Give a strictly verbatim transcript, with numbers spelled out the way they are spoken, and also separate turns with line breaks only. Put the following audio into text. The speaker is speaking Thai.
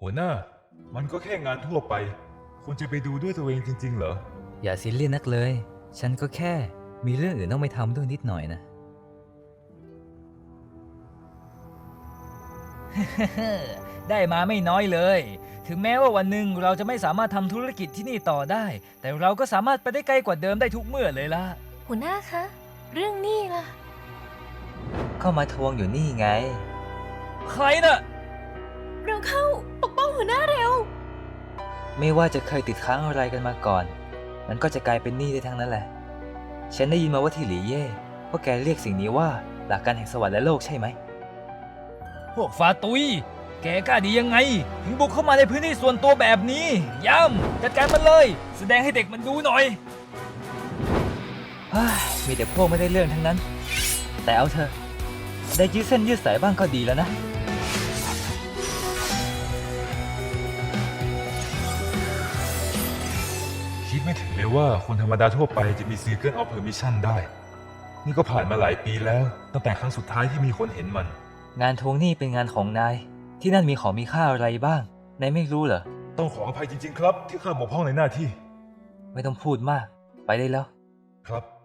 หัวหน้ามันก็แค่งานทั่วไปคุณจะไปดูด้วยตัวเองจริงๆเหรอ
อย่าซีเรียสนักเลย ฉันก็แค่มีเรื่องอื่นต้องไปทำด้วยนิดหน่อยนะ ได้มาไม่น้อยเลย ถึงแม้ว่าวันหนึ่งเราจะไม่สามารถทำธุรกิจที่นี่ต่อได้ แต่เราก็สามารถไปได้ไกลกว่าเดิมได้ทุกเมื่อเลยล่ะ
หัวหน้าคะ เรื่องหนี้ล่ะ
เข้ามาทวงอยู่นี่ไง ใครน่ะ
เราเข้าปกป้องหัวหน้าเร็ว
ไม่ว่าจะเคยติดค้างอะไรกันมาก่อน มันก็จะกลายเป็นหนี้ได้ทั้งนั้นแหละ ฉันได้ยินมาว่าที่หลีเย่พวกแกเรียกสิ่งนี้ว่าหลักการแห่งสวรรค์และโลกใช่ไหม พวกฟาตุย แกกล้าดียังไง ถึงบุกเข้ามาในพื้นที่ส่วนตัวแบบนี้ ย่ำจัดการมันเลย แสดงให้เด็กมันดูหน่อยมีแต่พวกไม่ได้เรื่องทั้งนั้น แต่เอาเถอะได้ยืดเส้นยืดสายบ้างก็ดีแล้วนะ
คิดไม่ถึงเลยว่าคนธรรมดาทั่วไปจะมี Circle of Permission ได้นี่ก็ผ่านมาหลายปีแล้วตั้งแต่ครั้งสุดท้ายที่มีคนเห็นมัน
งานทวงหนี้เป็นงานของนาย ที่นั่นมีของมีค่าอะไรบ้าง นายไม่รู้เหรอ
ต้องขออภัยจริงๆครับที่ข้าบกพร่องในหน้าที่
ไม่ต้องพูดมาก ไปได้แล้ว
ครับ